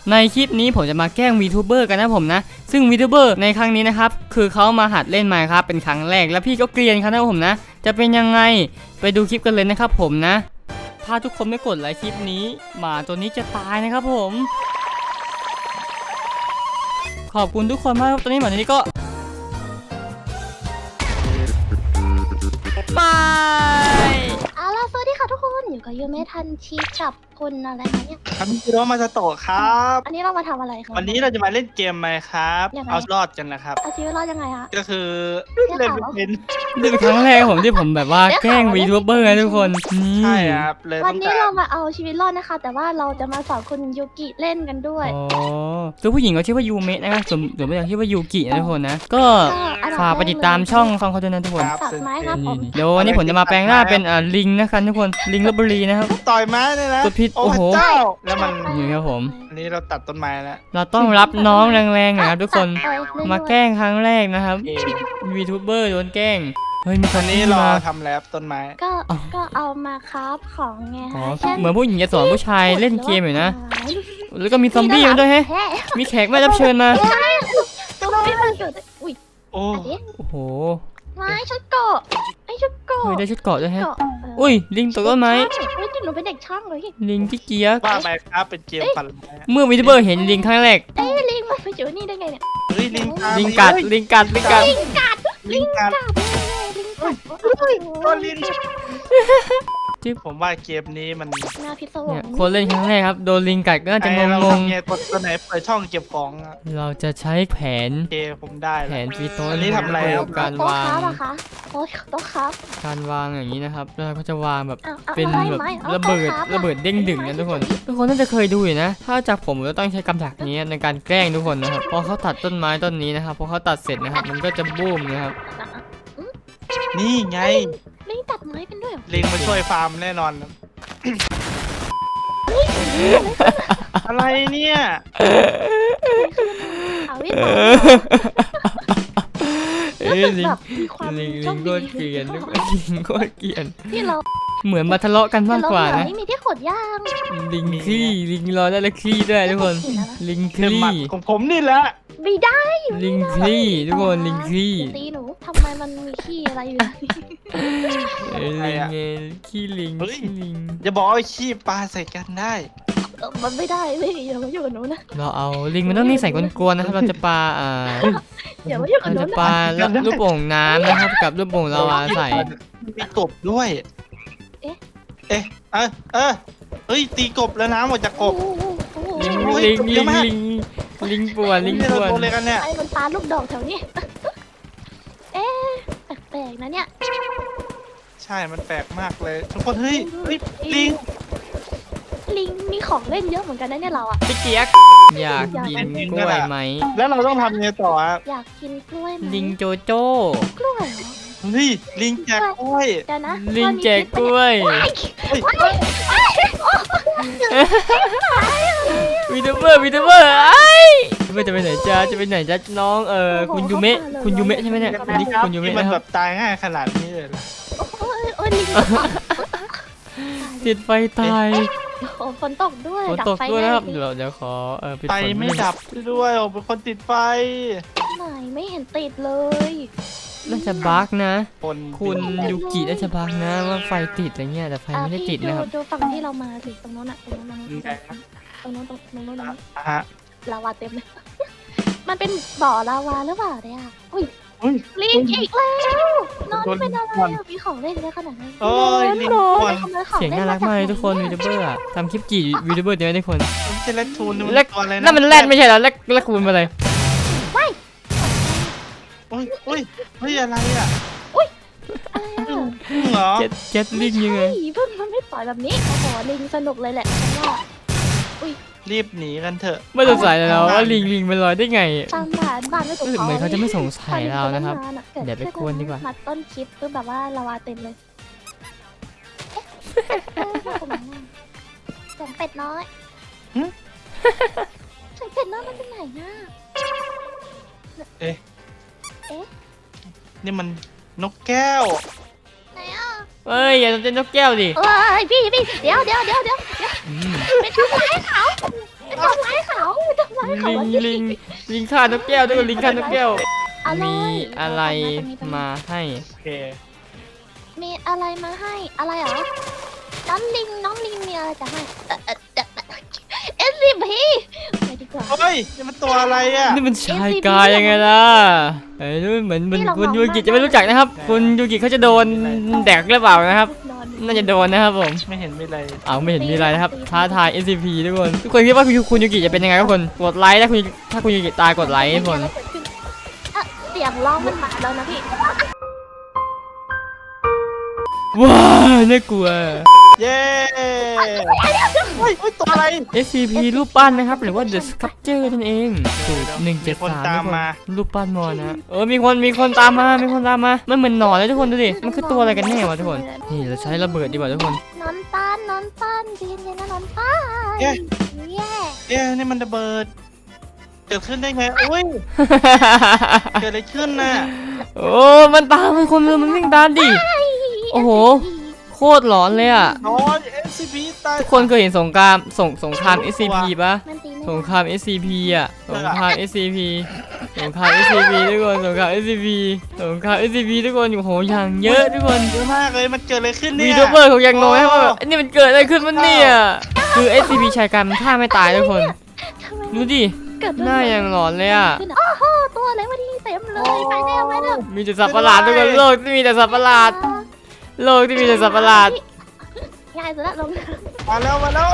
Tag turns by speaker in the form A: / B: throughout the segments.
A: ในคลิปนี้ผมจะมาแกล้งวีทูเบอร์กันนะผมนะซึ่งวีทูเบอร์ในครั้งนี้นะครับคือเขามาหัดเล่น Minecraft เป็นครั้งแรกแล้วพี่ก็เกรียนครับนะผมนะจะเป็นยังไงไปดูคลิปกันเลยนะครับผมนะถ้าทุกคนไม่กดไลค์คลิปนี้หมาตัวนี้จะตายนะครับผมขอบคุณทุกคนมากครับตอนนี้หมาตัวนี้ก็ไป
B: เอาล่ะสวัสดีค่ะทุกคนอยู่กับยูเมทันชีกับคุณอะไรนะเนี่ย
C: ครับพี่โรมาสโตะครับ
B: อันนี้เรามาทำอะไรคะ
C: วันนี้เราจะมาเล่นเกมไหมครับ
B: ยังไง
C: เอารอดกันนะครับ
B: เอาชีวิตรอดยังไงคะ
C: ก็คือเล่นไม่เป็น
A: นี่เป็นครั้งแรกผมที่ผมแบบว่าแกล้งวีทูเบอร์นะทุกคนนี่
C: ใช่ครับเลย
B: วั
C: ต้
B: น
C: อง
B: นี้
C: การ
B: เรามาเอาชีวิตรอดนะคะ แต่ว่าเราจะมาสอนคุณยูกิเล่นกันด้วย
A: อ๋อตัวผู้หญิงเขาชื่อว่ายูเมะนะครับส่วนตัวผู้ชายชื่อว่ายูกินะทุกคนนะก็ฝากไปติดตามช่องฟังเขาด้วยนะทุกคน
C: ครับ
B: ตัดไม้ครับผม
A: เดี๋ยววันนี้ผมจะมาแปลงหน้าเป็นลิงนะครับทุกคนลิงลพบุรีนะครับ
C: ต่อยไม้เลยนะ
A: กดผิด
C: โอ้
A: โอ้โห
C: พระเจ้าแล้วมัน
A: นี่ครับผม
C: อันนี้เราตัดต้นไม้แล้ว
A: เราต้องรับน้องแรงๆนะครับทุกคน
B: ตัดไปเรื่อยๆ
A: มาแกล้งครั้งแรกนะครับ
C: เอ
A: วีทูเบอร์โดนแกล้งเฮ้ยมีค
C: วัน
A: น
C: นี้
A: นี้
C: เรา
A: มา
C: ทำแล้วต้นไม้
B: ก็เอามาครับของไง
A: อ๋อ
B: คะ
A: เหมือนผู้หญิงจะสอนผู้ชายเล่นเกมอยู่นะ
B: นี่
A: แล้วก็มีซอมบี้มาด้วยแฮะ
B: แท้
A: มีแขกไม่รับเชิญมา
B: ซอมบี้มันเกิดอุ้ย
C: โอ้
B: อันนี้
A: โอ้โห
B: ไม้ชุดเกาะไอ้ชุดเกาะ
A: เฮ้ยได้ชุดเกราะด้วยแฮะ
B: เกาะเ
A: อุ้ยลิงตกต้นไม้
B: เฮ้ยหนูเป็นเด็กช่างเลย
A: ลิงที่เกียร์
C: ว่าไหมครับเป็นเกมปั่นไม้
A: เมื่อวีทูเบอร์เห็นลิงครั้งแรก
B: เอ้ยลิงมันไปอยู่นี่ได้ไงเนี่ย
C: เฮ้ยลิง
A: ลิงกัดลิงกัดลิงกัด
B: ลิงกัด
C: ลิงกัด
B: ลิงกัด
C: ก็ลิงผมว่าเกมนี้มัน
B: น่าพิศว
A: เนี่ย
B: ง
A: คนเล่นครั้งแรกครับโดนลิงกัดก็น่าจะง
C: เรา
A: ง
C: ทำไงกดตัวไหนเปิดช่องเก็บของอะ
A: ๆเราจะใช้แผน
C: โอเคผมได้
A: แผ
C: แล้ว
A: นฟีโต้
C: อันนี้ทำอะไรครับ
A: การ
B: โต๊ะ
A: วาง
B: ครับอะคะโต๊ะครับ
A: การวางอย่างนี้นะครับแล้วเราก็จะวางแบบ
B: อา
A: เป็น
B: อา
A: แบบ
B: ไม้อา
A: ระเบิด
B: โต๊ค
A: ระเบิดเด้งดึงนะทุกคนทุกคนน่าจะเคยดูอยู่นะ ถ้าจากผมจะต้องใช้กำจักนี้ในการแกล้งทุกคนนะครับพอเขาตัดต้นไม้ต้นนี้นะครับพอเขาตัดเสร็จนะครับมันก็จะบูมนะครับ
C: นี่ไง
B: ลิงตัดไม้เป็นด้วยเหรอ
C: ลิงมาช่วยฟาร์มแน่นอนนะ อะไรเนี่ย
B: เอาวิธี
A: เอ้ยลิง
B: แบบมีความ
A: ลิง
B: โช
A: ลิ
B: ค
A: ง
B: ดี
A: โคตรเกลียนทุกคนลิงโคตรเกลียน
B: ที่เรา
A: เหมือนมาทะเลาะกันมากกว่านะ
B: ไม่มีที่ขดย่าง
A: ลิงขี้ลิงรอได้แล้วขี้ด้วยทุกคนลิง
C: เรื่องหมัด
A: ขี้
C: ของผมนี่แหละ
B: ไม่ได้
A: ลิงขี้ทุกคนลิงขี้
B: ตีหนูทำไมมันมีขี้อะไรอยู่ในนี้
A: เอ้ยลิงไงขี้ลิงขี้ลิง
C: อย่าบอกว่าขี้ปลาใส่กันได้
B: มันไม่ได้ไม่อย่ามาอยู่กับหนูนะ
A: เราเอาลิงมันต้องนิสัยกวนๆนะครับเราจะปา
B: อย่ามาอยู่กับ
A: เรา
B: หนู
A: จะ
B: นะ
A: ปาลูกโป่งน้ำนะครับกับลูกโป่งลาวาใส่
C: มีกบด้วย เฮ้ยตีกบแล้วน้ำออกจากกบ
A: ลิง
C: โอ้ย
A: ลิง
C: เย
A: ลิ
C: อะ
A: ง
C: มาก
A: ลิงลิงป่วนลิง
C: นี่
A: ป่
C: เรา
A: วน
C: โดนเลยกันเนี่ย
B: ไอ้มันปลาลูกดอกแถวนี้ เอ๊ะแปลกๆนะเนี่ย
C: ใช่มันแปลกมากเลยทุกคนเฮ้ยลิง
B: ลิงมีของเล่นเยอะเหมือนกันนะเนี่ยเราอะ
A: พี่เกียกอยากกินกล้วยไหม
C: แล้วเราต้องทำไงต่อครับ
B: อยากกินกล้วยไหม
A: ลิงโจโจ้
B: กล้วยเหรอ
C: เฮ้ยลิงแจกกล้วย
B: เดี๋ยวนะ
A: ลิงแจกกล้วย
C: เฮ้ย
A: วีทูเบอร์ไอ้ไม่จะไปไหนจ้าจะไปไหนจ้าน้องคุณยูเมะคุณยูเมะใช่ไหมเนี่ยอันนี้คุณยู
C: นี่
A: เมะ
C: มัน
A: นะค
C: แบ
A: รับบ
C: ตายง่ายขนาดนี้เลยเหรอ
B: โอ้ยลิง
A: ติดไฟตาย
B: โอ้ฝนตกด้วย
A: ฝนตกด้วยนะครับเดี๋ยวขอปิด
C: ไฟ
A: ฝน
C: ไม่ดับด้วยโอ้เป็นคนติดไฟ
B: ไหนไม่เห็นติดเลย
A: น่าจะบั๊กนะ
C: คน
A: คุณยูกิน่าจะบั๊กนะว่าไฟติดอะไรเงี้ยแต่ไฟไม่ได้ติดนะครับ
B: ดูฝั่งที่เรามาสิตรงโน้นอะตรงโน้นตรงโน้นตรงโน้น
C: ฮะ
B: ลาวาเต็มเลย มันเป็นบ่อลาวาหรือเปล่าเนี่ยอุ้ย
C: อุ้ย
B: ลิงอีกแล้วนอนเป็นอะไรอะมีของเล่นเยอะขนาดนั้น
C: โอ้ยลิงค
B: ไป
C: น
B: ขโมของ
A: เสียง
B: ล่
A: น่ารักมากเลยทุกคนวีทูเบอร์ทำคลิปกี่วีทูเบอร์เดียวทุกคน
C: มันจะเล่นทูน
A: แลก
C: ตัวอะไรนะ
A: นั่นมันแรดไม่ใช่เหรอแลกคูณมาเลย
C: อุ้ยเฮ้ยอะไรอ่ะ
B: อะไรอะ
C: เหรอ
A: เจ็ดลิงยังไง
B: ใช่เพิ่งมันไม่ปล่อยแบบนี้โอ้โหลิงสนุกเลยแหละฉันว่า
C: รีบหนีกันเถอะ
A: ไม่สงสัยเลยนะว่าลิงมันลอยได้ไง
B: ตามบ้านไม่ถูก
A: รู้สึกเหมือนเขาจะไม่สงสัยเรานะครับ
B: เกิ
A: เดี๋ยวไปกวนดีกว่า
B: มาต้นคลิปคือแบบว่าลาวาเต็มเลยเสียงเป็ดน้อยเสียงเป็ดน้อยมันเป็นไหนนะ
C: นี่มันนกแก้ว
B: ไหนอ่ะ
A: เอ้ยอย่าเต้นนกแก้วดิ
B: เอ้ยพี่เดี๋ยว
A: อืม
B: ไปทำร้ายเขาไปทำร้ายเขา
A: ลิงฆ่านกแก้วด้วยลิงฆ่านกแก้ว
B: อะไร
A: มีอะไรมาให้
C: โอเค
B: มีอะไรมาให้อะไรเหรอน้องลิงมีอะไรจะให้SCP ไปดีกว่า
C: เฮ้ยนี่มันตัวอะไรอ่ะ
A: นี่มันชายกายยังไงล่ะเอ้ยนี่เหมือนคุณยูกิจะไม่รู้จักนะครับคุณยูกิเขาจะโดนแดกหรือเปล่านะครับ
B: นอน
A: น่าจะโดนนะครับผม
C: ไม่เห็นมีอะไร
A: อ้าวไม่เห็นมีอะไรนะครับท้าทาย SCP ทุกคนคิดว่าคุณยูกิจะเป็นยังไงครับคนกดไลค์ถ้าคุณยูกิตายกดไลค์ทุกคน
B: เสียงร้องมันมาแล้วนะพี่
A: ว้าวน่ากลัว
C: เย้เฮ้ยตัวอะไร
A: SCP รูปปั้นนะครับหรือว่า The Sculpture นั่นเองสูตร
C: มีคน
A: 173
C: ตามมา
A: รูปปั้นมอนะมีคนตามมามันเหมือนหนอนเลยทุกคนดูดิมันคือตัวอะไรกันแน่วะทุกคนนี่เราใช้ระเบิดดีกว่าทุกคน
B: นอนตันใจเย็นๆนะนอนตันแย่
C: เอ๊ะนี่มันระเบิดเกิดขึ้นได้ไงอุ้ยเกิดอะไรขึ้นน่ะ
A: โอ้มันตามมันคนเลยมันวิ่งตามดิโอ้โหโคตรหลอนเลยอ่ะ
C: นอน SCP ตาย
A: ทุกคนเคยเห็นสงคราม SCP ปะ
B: มันตี
A: สงคราม SCP อ่ะสงคราม SCP ทุกคนสงคราม SCP ทุกคนโอ้โหอย่างเยอะทุกคน
C: เยอะมากเลยมันเกิดอะไรขึ้นเนี่ย
A: วีทูเบอร์เขายังงงให้ว่าแบบอันนี้มันเกิดอะไรขึ้นมันเนี่ยคือ SCP ชายกรรมฆ่าไม่ตายทุกคนดูดิหน้ายังหลอนเลยอ่ะ
B: โอ้โหตัวอะไรวะที่เต็มเลยไปแน่ไปแล้ว
A: มีแต่สัตว์ประหลาดทุกคนโลกที่มีแต่สัตว์ประหลาดโลกที่มีแต่สัตว์ประหลาด
B: ง่ายสุดละลง
C: มาแล้ว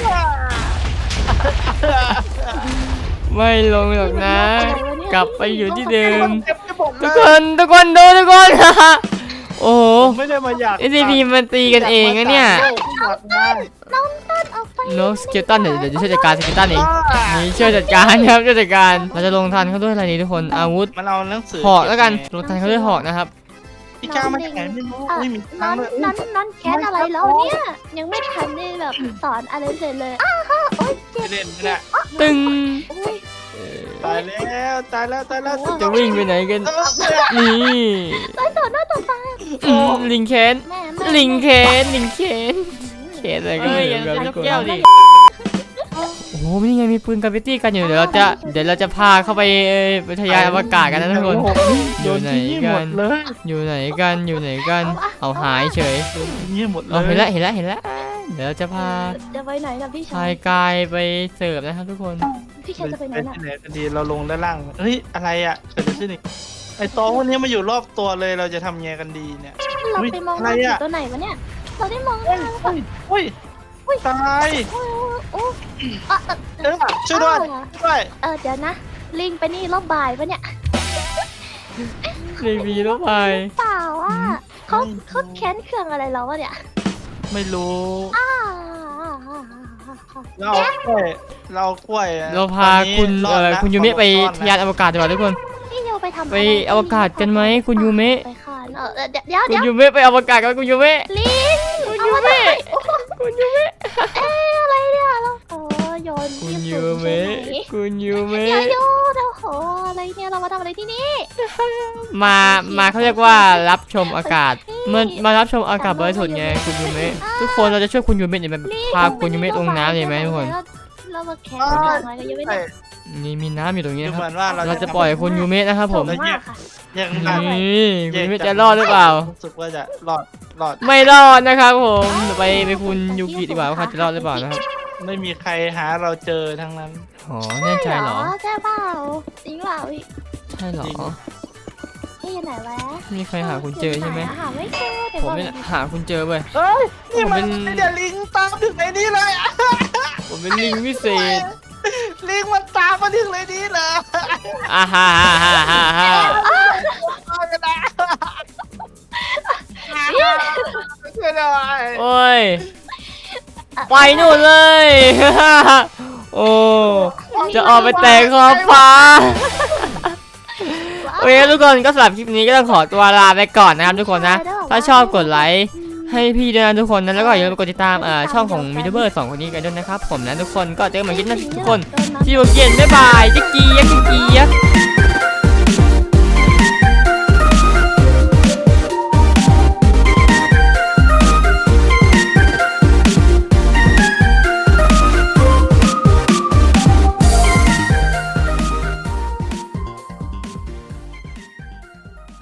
A: ไม่ลงหรอกนะ กลับไปอยู่ที่เดิม
C: เจ็บไปหมดเล
A: ทุ
C: ย
A: กคนดูทุกคน โอ้โห
C: ผมไม่ได้มาอยาก
A: SCP มันตีกันเองนะเนี่ย
C: อยากได้
B: น้องต้นออกไป
A: นกสเกลตันเดี๋ยวจะช่วยจัดการสเกลตันเองนี่ช่วยจัดการครับช่วยจัดการเราจะลงทันเขาด้วยอะไรนี้ทุกคนอาวุธ
C: มันเอาหนังสือ
A: หอกแล้วกันลงทันเขาด้วยหอกนะครับ
C: พี่ก้าวมาจากไหนไม่รู้ไม่มี
B: น
C: ทา
B: อง น
C: เลย
B: นอนแคสอะไรแล้วเนี่ยยังไม่ทันได้แบบสอนอะไรเสร็จเลยอ้าวโอ๊ยเจ็
C: ไม่
B: บ
C: เล่นไม่ได้
A: ตึง
B: โอ๊ย
C: ตายแล้ว
A: จะวิ่งไปไหนกันนี่
B: ต่อหน้าต่อตา
A: ลิงเคน
B: แม่
A: ลิงเคนเคนอะไรกันเนี่ยครับทุกคนโอ้โหนี่ไงมีปืนกราฟิตี้กันอยู่เดี๋ยวเราจะพาเข้าไปวิทยานอวกาศกันนะทุกคน อยู่ไหนกัน
C: เลย
A: อยู่ไหนกันเอาหายเฉย
C: นี่หมดเล
A: เอา
C: ย
A: เห็นแล้วเดี๋ยวเราจะพา
B: จะไปไหนนะพี่ชา
A: ชาย ยกายไปเสิร์ฟนะครับทุกคน
B: พี่ชายจะไปไหน
C: เป็น
B: น่ะ
C: ที่ไหนกันดีเราลงด้านล่างเฮ้ยอะไรอ่ะเกิดอะไรขึ้นอีกไอตองวันนี้มาอยู่รอบตัวเลยเราจะทำไงกันดีเนี่ย
B: เราไปมองหน้าผีตัวไหนวะเนี่ยเราได้มองหน้าแล้วแบบ
C: เฮ้ยตาย
B: โอ้
C: ช่วยด้วย
B: เดี๋ยวนะลิงไปนี่รอบบ่ายปะเนี่ย
A: รีวีแล้วไป
B: เปล่าอ่ะเขาแค้นเครื่องอะไรเราวะเนี่ย
C: ไม่รู้
B: อ้า
C: เราเอากล้วย
A: เราพาคุณยูเมะไปยานอวกาศดีกว่าทุกคน
B: พี่โยไปทำ
A: ไปอวกาศกันไหมคุณยูเมะ
B: ไปค่ะเดี๋ยว
A: คุณยูเมะไปอวกาศกันคุณยูเมะ
B: ลิง
A: คุณยูเมะคุณยูเมะ
B: อะไรเนี่ยเราโยน
A: คุณยูเมะคุณยูเมะ
B: อย่าโยนโอ้โหอะไรเนี่ยเรามาทำอะไรที่นี่
A: มาเขาเรียกว่ารับชมอากาศมารับชมอากาศบริสุทธิ์ไงคุณยูเมะทุกคนเราจะช่วยคุณยูเมะเนี่ยพาคุณยูเมะลงน้ำเลยไหมทุกคน
B: เรามาแข่งกันอะไรกันยังไม่ได้
A: นี่มีน้ำอยู่ตรงนี้
C: ดู
A: นะค
C: เหมื
A: รั
C: อบ นว่า
A: เราจะปล่อยคุณยูเมะนะครับผม
B: มากค่ะ
C: ยัง
A: นี่คุณยูเมะจะรอดหรือเปล่า
C: รู้สึกว่าจะรอด
A: ไม่รอดนะครับผมเดี๋ยวไปคุณยูกิดีกว่าว่าเขาจะรอดหรือเปล่านะครับ
C: ไม่มีใครหาเราเจอทั้งนั้น
A: อ๋อแน่ใจเหรอ
B: ใช่เปล่าจริงเปล่าพี่
A: ใช่เหรอ
B: พี่อยู่ไหนวะ
A: มีใครหาคุณเจอใช่ไหม
B: หาไม่เจอเดี๋ยว
A: ผม
B: ก่อน
A: เนี่ยหาคุณเจอเว้ย
C: เฮ้ยนี่มัน
A: ผมเป็น
C: เดี๋ยวลิงตามถึงในนี้เลยอะ
A: ผมเป็นลิงวิเศษ
C: ลิงมันตามมาถึงในนี้เลย
A: อ่าฮ่าฮ่าฮ่าฮ่าฮ่า
C: เอากันนะช่วยหน่อย
A: โอ้ยไปนู่นเลย โอ้จะออกไปแตกขอบฟ้าโอเคทุกคนก็สำหรับคลิปนี้ก็ต้องขอตัวลาไปก่อนนะครับทุกคนนะถ้าชอบกดไลค์ให้พี่ด้วยนะทุกคนนะแล้วก็อย่าลืมกดติดตามช่องของมิทูเบอร์2คนนี้กันด้วยนะครับผมนะทุกคนก็เจอกันใหม่คลิปหน้าทุกคนที่โอเกียนบ๊ายบายจิ๊กกี้ยัก